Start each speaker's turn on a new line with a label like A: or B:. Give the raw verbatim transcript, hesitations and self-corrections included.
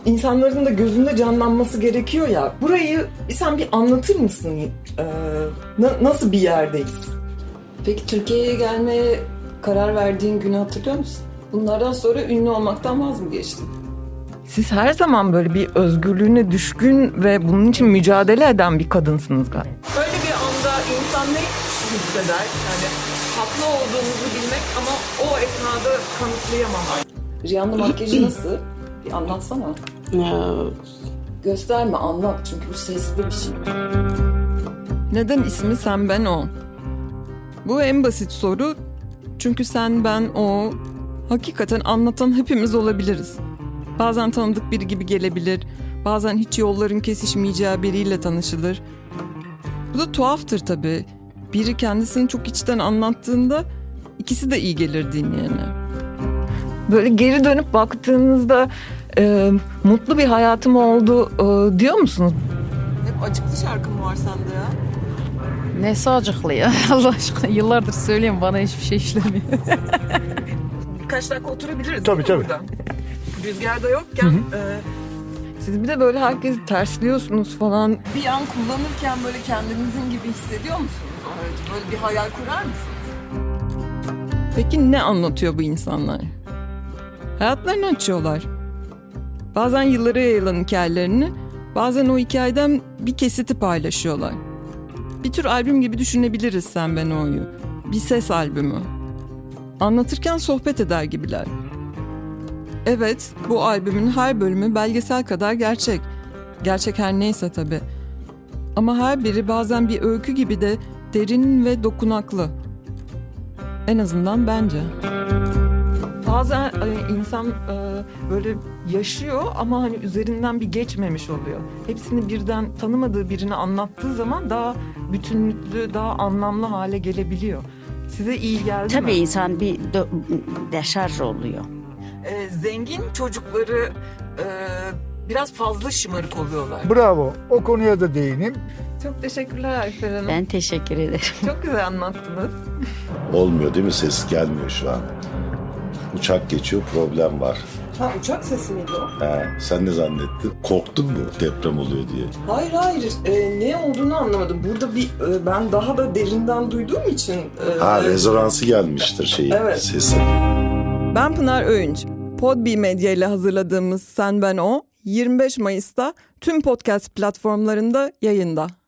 A: insanların da gözünde canlanması gerekiyor ya. Burayı sen bir anlatır mısın? Ee, na- nasıl bir yerdeyiz?
B: Peki Türkiye'ye gelmeye karar verdiğin günü hatırlıyor musun? Bunlardan sonra ünlü olmaktan vaz mı geçtin?
A: Siz her zaman böyle bir özgürlüğüne düşkün ve bunun için mücadele eden bir kadınsınız galiba. Böyle bir anda insan ne hisseder? Yani haklı olduğunuzu bilmek ama o esnada kanıtlayamamak.
B: Rihanna'nın makyajı nasıl? Bir anlatsana.
C: Ya,
B: Gösterme, anlat çünkü bu sesli bir şey.
D: Neden ismi sen ben o? Bu en basit soru. Çünkü sen ben o hakikaten anlatan hepimiz olabiliriz. Bazen tanıdık biri gibi gelebilir. Bazen hiç yolların kesişmeyeceği biriyle tanışılır. Bu da tuhaftır tabii. Biri kendisini çok içten anlattığında ikisi de iyi gelir dinleyene.
A: Böyle geri dönüp baktığınızda e, mutlu bir hayatım oldu e, diyor musunuz?
D: Hep acıklı şarkı mı var sende ya?
C: nesi acıklı ya Allah aşkına, yıllardır söylüyorum, bana hiçbir şey işlemiyor.
A: Birkaç dakika oturabiliriz.
E: Tabii,
A: değil mi
E: tabii.
A: burada? Rüzgarda yokken e, siz bir de böyle herkesi tersliyorsunuz falan.
D: Bir an kullanırken böyle kendinizin gibi hissediyor musunuz o aracı? Böyle bir hayal kurar mısınız? Peki ne anlatıyor bu insanlar? Hayatlarını açıyorlar. Bazen yıllara yayılan hikayelerini, bazen o hikayeden bir kesiti paylaşıyorlar. Bir tür albüm gibi düşünebiliriz Sen Ben O'yu. Bir ses albümü. Anlatırken sohbet eder gibiler. Evet, bu albümün her bölümü belgesel kadar gerçek. Gerçek her neyse tabii. Ama her biri bazen bir öykü gibi de derin ve dokunaklı. En azından bence.
A: Bazen e, insan e, böyle yaşıyor ama hani üzerinden bir geçmemiş oluyor. Hepsini birden tanımadığı birini anlattığı zaman daha bütünlüklü, daha anlamlı hale gelebiliyor. Size iyi geldi mi?
F: Tabii insan bir dö- deşarj oluyor.
A: E, zengin çocukları e, biraz fazla şımarık oluyorlar.
E: Bravo. O konuya da değineyim.
A: Çok teşekkürler Ayfer Hanım.
F: Ben teşekkür ederim.
A: Çok güzel anlattınız.
G: Olmuyor değil mi? Ses gelmiyor şu an. Uçak geçiyor, problem var.
B: Ha, uçak sesi miydi o?
G: He, sen ne zannettin? Korktun mu deprem oluyor diye?
B: Hayır hayır, e, ne olduğunu anlamadım. Burada bir e, ben daha da derinden duyduğum için... E,
G: Ha, rezonansı gelmiştir şeyi,
B: Evet.
G: sesi.
D: Ben Pınar Öğünç. Podbi Medya ile hazırladığımız Sen Ben O, yirmi beş Mayıs'ta tüm podcast platformlarında yayında.